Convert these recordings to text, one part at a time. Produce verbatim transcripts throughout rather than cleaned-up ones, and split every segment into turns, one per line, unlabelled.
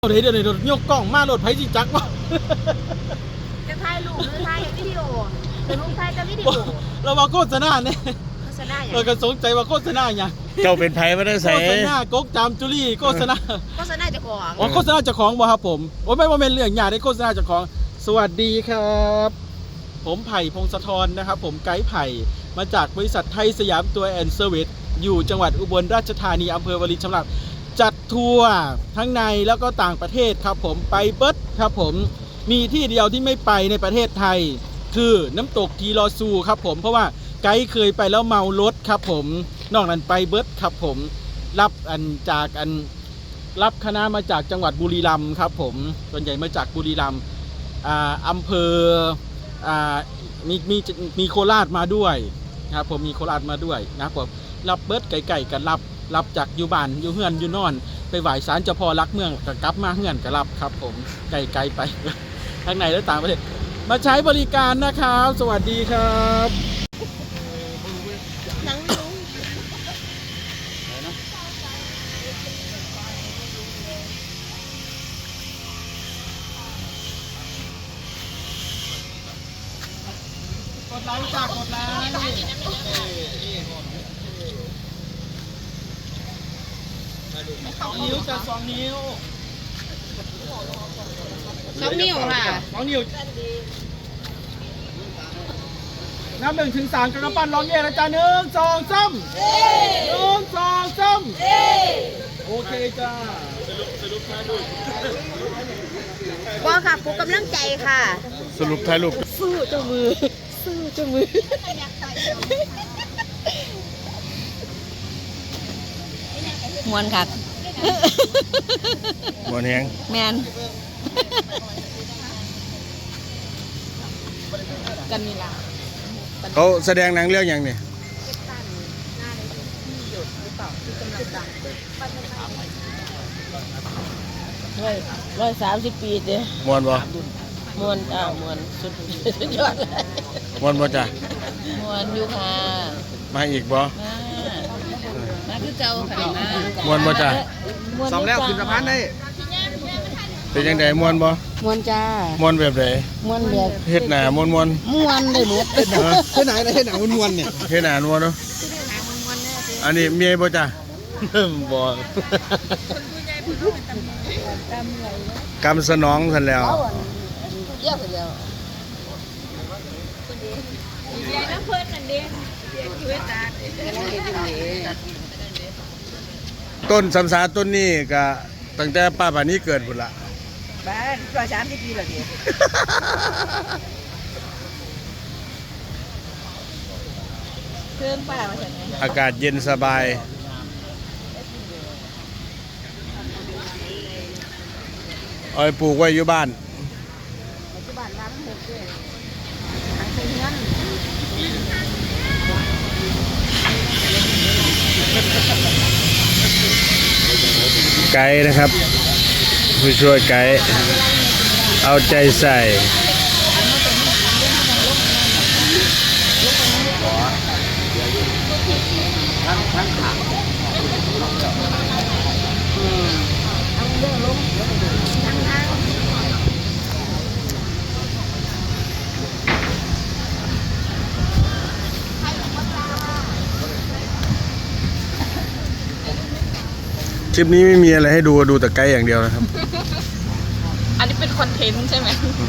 เดี๋ยวเดี๋ยวเดี๋ยวยกกล้องมาโหลดไผสิจักวะ
จะถ่ายรูปหรือถ่ายวิดีโอจะรูปถ่ายจะวิดีโอ
เราว่าโฆษณาเนี่ย
โฆษณาอย่าง
เราก็สงใจว่าโฆษณาอย่าง
เจ้าเป็นไผมาได้ใส่
โฆษณากกจามจุลี่โฆษณา
โฆษณาเจ้าของ
อ๋อโฆษณาเจ้าของบ่ครับผมโอ้ไม่ว่าเป็นเรื่องใหญ่ได้โฆษณาเจ้าของสวัสดีครับผมไผ่พงศธรนะครับผมไกด์ไผ่มาจากบริษัทไทยสยามตัวแอนด์เซอร์วิสอยู่จังหวัดอุบลราชธานีอำเภอวารินชำราบจัดทัวร์ทั้งในแล้วก็ต่างประเทศครับผมไปเบิร์ดครับผมมีที่เดียวที่ไม่ไปในประเทศไทยคือน้ำตกทีลอซูครับผมเพราะว่าไกด์เคยไปแล้วเมารถครับผมนอกนั้นไปเบิร์ดครับผมรับอันจากอันรับคณะมาจากจังหวัดบุรีรัมย์ครับผมส่วนใหญ่มาจากบุรีรัมย์อ่าอำเภออ่ามีมีมีโคราชมาด้วยครับผมมีโคราชมาด้วยนะครับผมรับเบิร์ดไก่ๆกันรับรับจากอยู่บ้านอยู่เฮือนอยู่นอนไปไหว้ศาลเจ้าพ่อรักเมืองกับกลับมาเฮือนกับรับครับผมไกลๆไปทั้งในและต่างประเทศมาใช้บริการนะครับสวัสดีครับ
นังลุง
กดไลค์จากกดไลค์สองนิ้วจะสองนิ้ว
สองนิ้วค่ะ
สองนิ้วนับหนึ่งถึงสามกระปั้นร้องเย่นะจ๊ะหนึ่งสองสามหนึ่งสองสามโอเคจ้าสรุปสรุปถ่ายรูป
ว่าค่ะปลุกกำลังใจค่ะ
สรุปถ่ายรูป
สู้เจ้ามือสู้เจ้ามือมวนค่ะ
มวนแฮง
แมนกันนี่ล่ะ
เขาแสดงหนังเรื่องอย่างนี้
ร้อยร้อยสามสิบปีเด้
มวนบ่
มวนอ่ามวนสุดสุดยอดเลย
มวนบ่จ้ะ
มวนอยู่ค่ะ
มาอีกบ่
มามาคือเก่าค่ะมาม
วนบ่จ้ะ
สองแล้วขึ้นสะพานได้
เป็นจังได๋มวนบ่
มวนจ้าม
วนแบบใด
มวนแบบ
เฮ็ดหน้ามวนๆ
มวนได้หมด
เฮ็ดหน้าเฮ็ดหน้าเฮ็ดหน้ามวนๆเนี่ย
เฮ็ดหน้ามวนเนาะอันนี้เมียบ่จ้ะบ่กำสนองซั่นแล้ว
เยอะแล้วเสียน้ำเพิ่นนั่นเด้เสียชีวิตตา
ต้นสำสาต้นนี้ก็ตั้งแต่ป้าป่านี้เกิดพุ่นละ
บ้านร้อยสามสิบปีแล้วเด้เพิ่นป้าว่าซั่นไง
อากาศเย็นสบายเอาไปปลูกไว้อยู่บ้าน
อยู่บ้านร้านหกเด้อทางเฮื
อนไกด์นะครับผู้ช่วยไกด์เอาใจใส่คลิปนี้ไม่มีอะไรให้ดูดูแต่ไกด์อย่างเดียวนะครับ
อันนี้เป็นคอนเทนต์ใช่ไหม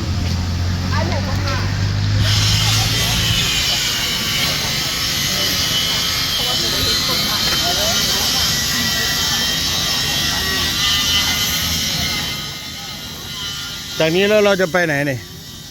จากนี้แล้วเราจะไปไหนนี่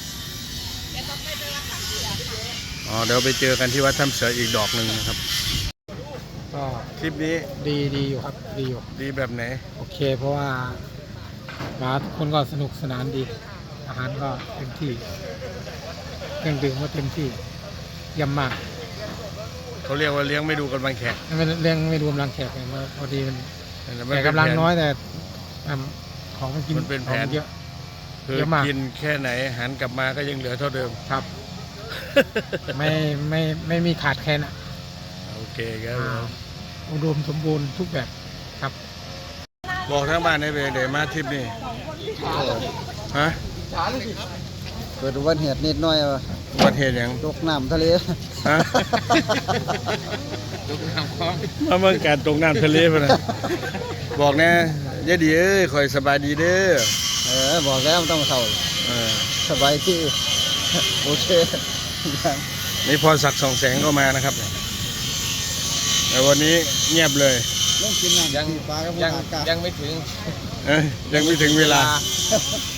อ๋อเดี๋ยวไปเจอกันที่วัดถ้ำเสืออีกดอกหนึ่งนะครับ
ก็
คลิปนี้
ดีดีอยู่ครับดีอยู่
ดีแบบไหน
โอเคเพราะว่ามาทุกคนก็สนุกสนานดีอาหารก็เต็มที่เครื่องดื่มก็เต็มที่ย่ำมาก
เขาเรียกว่าเลี้ยงไม่ดูกำลังแขก
ไม่เลี้ยงไม่รวมรังแขกไงพอดีมันแต่กำลังน้อยแต่ของมันกิน
มันเป็นแผน
เยอะ
คือกินแค่ไหนหันกลับมาก็ยังเหลือเท่าเดิม
ครับไม่ไม่ไม่มีขาดแคลนอ่ะ
โอเคครับ
อุดมสมบูรณ์ทุกแบบครับ
บอกทั้งบ้านในเวเดมาทริปนี่ฮะ
เกิดอุบัติเหตุนิดหน่อยว่ะ
อุบัติเหตุหยัง
ตกน้ำทะเล
ฮะมาเมืองการตกน้ำทะเลพุ่นน่ะบอกแน่ยายดีเอ้ยคอยสบายดีเด้อ
เออบอกแล้วต้องเข้า
เออ
สบายที่ โอเค
นี่พรศักดิ์สองแสงก็มานะครับแต่วันนี้เงียบเลย
เรื่องกินน้ำยังปลากับ
ยัง
อากาศ
ยังไม่ถึง
เอ้ยยังไม่ถึงเวลา